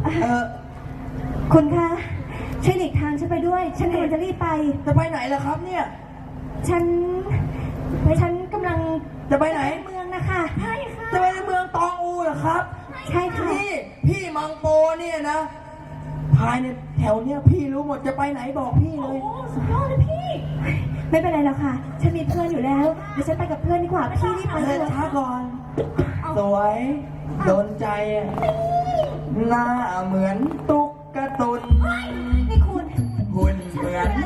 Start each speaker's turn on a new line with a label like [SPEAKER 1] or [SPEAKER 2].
[SPEAKER 1] คุณคะช่วยหลีกทางฉันไปด้วยฉันกำลังจะรีบไป
[SPEAKER 2] จะไปไหนล่ะครับเนี่ย
[SPEAKER 1] ฉันกำลัง
[SPEAKER 2] จะไปไหน
[SPEAKER 1] เมืองนะคะใช่ค่ะ
[SPEAKER 2] จะไปในเมืองตองอูเหรอครับ
[SPEAKER 1] ใช่ค่ะ
[SPEAKER 2] พี่มังโปเนี่ยนะภายในแถวเนี้ยพี่รู้หมดจะไปไหนบอกพี่เลย
[SPEAKER 1] โอ้สุดยอดเลยพี่ไม่เป็นไรแล้วค่ะฉันมีเพื่อนอยู่แล้วเดี๋ยวฉันไปกับเพื่อนดีกว่าพี่รีบไป
[SPEAKER 2] เลยช้าก่อนสวยโดนใจหน้าเหมือนตุ๊กตาตุน
[SPEAKER 1] นี่คุณ
[SPEAKER 2] หุ่นเหมือน